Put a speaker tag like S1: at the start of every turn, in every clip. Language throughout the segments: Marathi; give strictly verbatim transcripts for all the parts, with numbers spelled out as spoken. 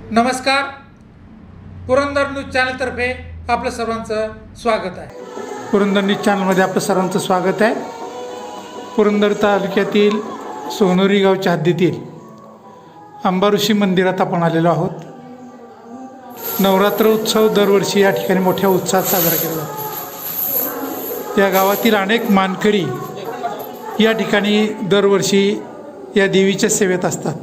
S1: नमस्कार, पुरंदर न्यूज चॅनलतर्फे आपलं सर्वांचं स्वागत आहे. पुरंदर न्यूज चॅनलमध्ये आपलं सर्वांचं स्वागत आहे. पुरंदर तालुक्यातील सोनोरी गावच्या हद्दीतील अंबाऋषी मंदिरात आपण आलेलो आहोत. नवरात्र उत्सव दरवर्षी या ठिकाणी मोठ्या उत्साहात साजरा केला जातो. या गावातील अनेक मानकरी या ठिकाणी दरवर्षी या देवीच्या सेवेत असतात.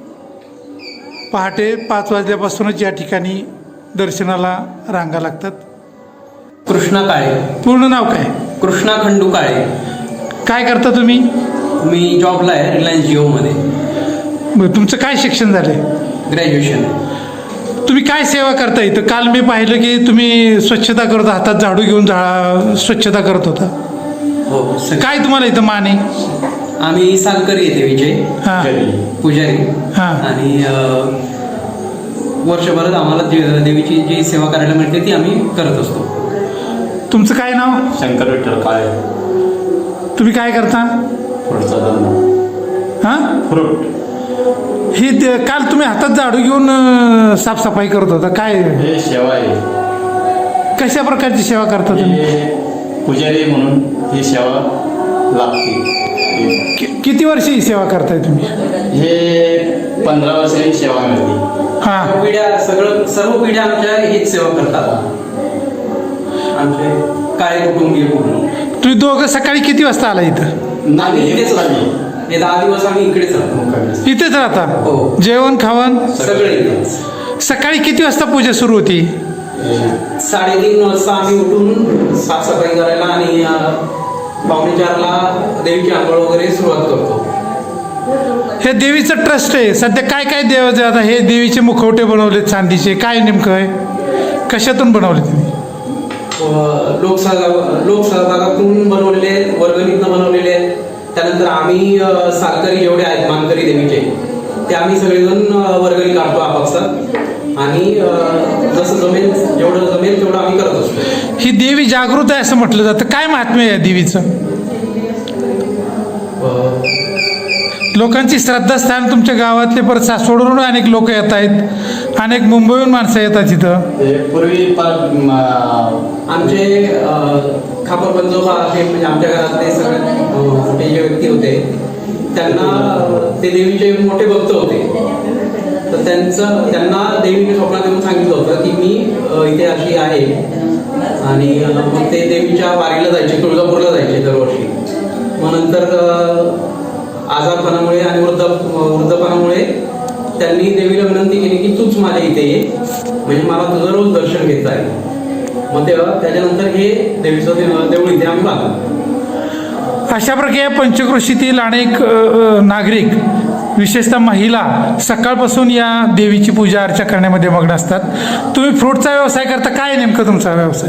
S1: पहाटे पाच वाजल्यापासूनच या ठिकाणी दर्शनाला रांगा लागतात.
S2: कृष्णा काळे.
S1: पूर्ण नाव काय?
S2: कृष्णा खंडू काळे.
S1: काय करता तुम्ही?
S2: मी जॉबला आहे रिलायन्स जिओमध्ये.
S1: बरं, तुमचं काय शिक्षण झालं?
S2: ग्रॅज्युएशन.
S1: तुम्ही काय सेवा करता इथं? काल मी पाहिलं की तुम्ही स्वच्छता करत, हातात झाडू घेऊन झा स्वच्छता करत होता.
S2: हो.
S1: काय तुम्हाला इथं मान आहे?
S2: आम्ही सालकरी आहे देवीचे.
S1: हां
S2: पुजारी.
S1: हां.
S2: आणि वर्षभरात आम्हाला जे- देवीची जी सेवा करायला मिळते ती आम्ही करत असतो.
S1: तुमचं काय नाव?
S3: शंकर विठ्ठल काळे.
S1: तुम्ही काय करता?
S3: फ्रूटचा धंदा.
S1: हां.
S3: फ्रूट.
S1: ही ते- काल तुम्ही हातात झाडू घेऊन अं, साफसफाई करत होता. काय
S3: हे सेवा आहे.
S1: कशा प्रकारची सेवा करता तुम्ही?
S3: हे पुजारी म्हणून ही सेवा लागते.
S1: कि- किती वर्ष ही सेवा करताय तुम्ही?
S3: हे पंधरा वर्षांनी सेवा मिळते.
S1: हां.
S2: पिढ्या सगळं सर्व पिढ्या आमच्या हीच सेवा करतात. आमचे काळे कुटुंबीय पूर्ण.
S1: तुम्ही दोघं सकाळी किती वाजता आला इथं?
S2: आम्ही इकडेच राहतो. हे दहा दिवस आम्ही इकडेच राहतो.
S1: इथेच राहता?
S2: हो.
S1: जेवण खावण
S2: सगळे इकडेच.
S1: सकाळी किती वाजता पूजा सुरू होती?
S2: साडेतीन वाजता आम्ही उठून साफसफाई करायला आणि पावणे चारला देवीची आंघोळ वगैरे सुरुवात करतो.
S1: हे देवीचं ट्रस्ट आहे. सध्या काय काय देव आता हे देवीचे मुखवटे बनवलेत चांदीचे. काय नेमकं आहे? कशातून बनवले तुम्ही?
S2: व लोकसहभाग लोकसहभागातून बनवलेले आहेत, वर्गणीतनं बनवलेले आहेत. त्यानंतर आम्ही अ, सालकरी जेवढे आहेत मानकरी देवीचे ते आम्ही सगळेजण अ, वर्गणी काढतो आपापसात. आणि अ, जसं जमेल जेवढं जमेल तेवढं आम्ही करत असतो.
S1: ही देवी जागृत आहे असं म्हटलं जातं. काय महात्म्य आहे या देवीचं?
S2: अ,
S1: लोकांची श्रद्धास्थान तुमच्या गावातले, परत सासवडवरून अनेक लोक येत आहेत, अनेक मुंबईहून माणसं येतात इथं.
S3: हे पूर्वी पार म,
S2: आमचे अ, खापर पंजोबा हे म्हणजे आमच्या घरातले सगळ्यात अ, मोठे जे व्यक्ती होते त्यांना अ, ते देवीचे मोठे भक्त होते. तर त्यांचं त्यांना देवीने स्वप्नात येऊन सांगितलं होतं की मी अ, इथे अशी आहे. आणि अ, मग ते देवीच्या वारीला जायचे, तुळजापूरला जायचे दरवर्षी. मग नंतर अ, आजारपणामुळे आणि वृद्ध वृद्धपणामुळे त्यांनी देवीला विनंती केली की तूच माझ्या इथे ये, म्हणजे मला तुझं रोज दर्शन घेता आहे. मग तेव्हा त्याच्यानंतर हे देवीचं दे- देऊळ इथे आम्ही बांधलं.
S1: अशा प्रकारे पंचक्रोशीतील अनेक अ, अ, नागरिक, विशेषतः महिला, सकाळपासून या देवीची पूजा अर्चा करण्यामध्ये मग्न असतात. तुम्ही फ्रूटचा व्यवसाय करता. काय नेमकं तुमचा व्यवसाय?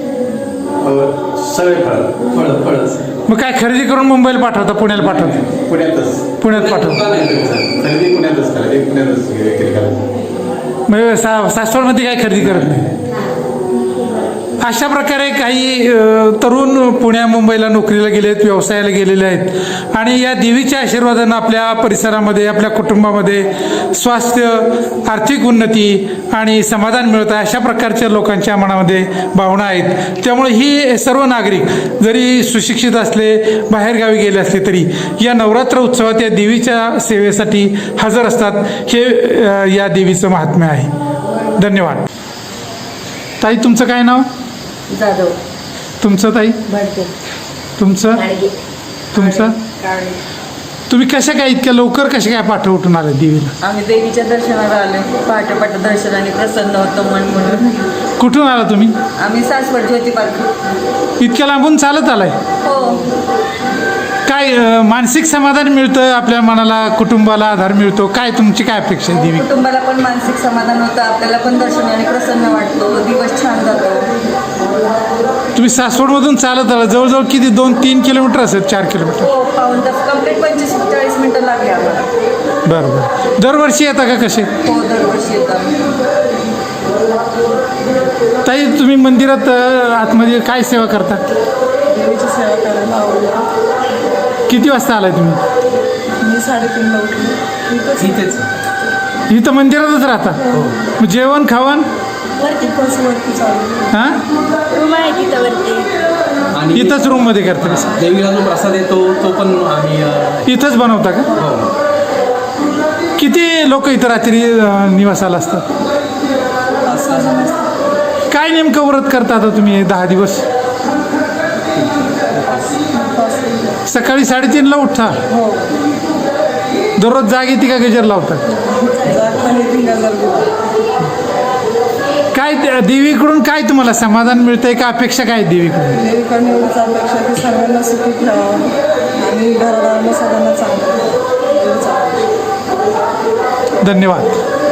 S3: सगळे फळ.
S2: फळ फळच
S1: मग काय खरेदी करून मुंबईला पाठवता? पुण्याला पाठवता?
S3: पुण्यातच.
S1: पुण्यात पाठवता.
S2: दुकान आहे त्यांचं.
S3: खरेदी पुण्यातच करायची. पुण्यातच विक्री करायची.
S1: म्हणजे सा सासवडमध्ये काय खरेदी करत नाही. अशा प्रकारे काही अ, तरुण पुण्या मुंबईला नोकरीला गेलेत, व्यवसायाला गेलेले आहेत आणि या देवीच्या आशीर्वादानं आपल्या परिसरामध्ये, आपल्या कुटुंबामध्ये स्वास्थ्य, आर्थिक उन्नती आणि समाधान मिळत आहे, अशा प्रकारच्या लोकांच्या मनामध्ये भावना आहेत. त्यामुळे ही सर्व नागरिक जरी सुशिक्षित असले, बाहेरगावी गेले असले तरी या नवरात्र उत्सवात या देवीच्या सेवेसाठी हजर असतात. हे अ, या देवीचं महात्म्य आहे. धन्यवाद. ताई, तुमचं काय नाव?
S4: जाधव.
S1: तुमचं ताई?
S4: भडके.
S1: तुमचं?
S4: गाडगे.
S1: तुमचं?
S4: काळे.
S1: तुम्ही कशा काय इतक्या लवकर कशा काय पाठ उठून आले देवीला?
S4: आम्ही देवीच्या दर्शनाला आलो. पहाटे पहाटे दर्शनाने प्रसन्न होतं मन म्हणून.
S1: कुठून आला तुम्ही?
S4: आम्ही सासवड ज्योती पार्क.
S1: इतक्या लांबून चालत आलाय?
S4: हो.
S1: काय अं, मानसिक समाधान मिळतं आपल्या मनाला, कुटुंबाला आधार मिळतो. काय तुमची काय अपेक्षा आहे देवी?
S4: कुटुंबाला पण मानसिक समाधान होतं, आपल्याला पण दर्शनाने प्रसन्न वाटतो, दिवस छान जातो.
S1: तुम्ही सासवडमधून चालत आला, जवळजवळ किती, दोन तीन किलोमीटर असेल? चार किलोमीटर?
S4: हो, पाऊन तास कंप्लीट पंचवीस चाळीस मिनटं लागले आम्हाला.
S1: बरं बरं. दरवर्षी येता का कसे?
S4: हो, दरवर्षी येतो आम्ही.
S1: ताई, तुम्ही मंदिरात अं, आतमध्ये काय सेवा करता?
S4: देवीची सेवा करायला आवडतं.
S1: किती वाजता आलाय तुम्ही?
S4: मी साडेतीनला उठली.
S2: इथेच
S1: इथं मंदिरातच राहता मग जेवण खावण
S5: वरती बस वरती चालू
S1: हां
S5: रूम आहे तिथं वरती.
S2: आणि
S1: इथंच रूममध्ये करता का
S2: देवीला जो प्रसाद येतो तो पण आम्ही अ,
S1: इथंच बनवता का
S2: हो
S1: किती लोक इथं रात्री अं, निवासाला असतात काय नेमकं व्रत करता आता तुम्ही हे दहा दिवस सकाळी साडेतीनला उठता
S4: हो
S1: दररोज जाग येते का गजर लावतात
S4: जागताना तीन हजार
S1: काय ते- देवीकडून काय तुम्हाला समाधान मिळतंय का अपेक्षा काय आहे देवीकडून
S4: देवीकडनं एवढीच अपेक्षा की सर्वांना सुखी ठेवावं आणि घरादारांना सगळ्यांना चांगलं एवढंच आहे.
S1: धन्यवाद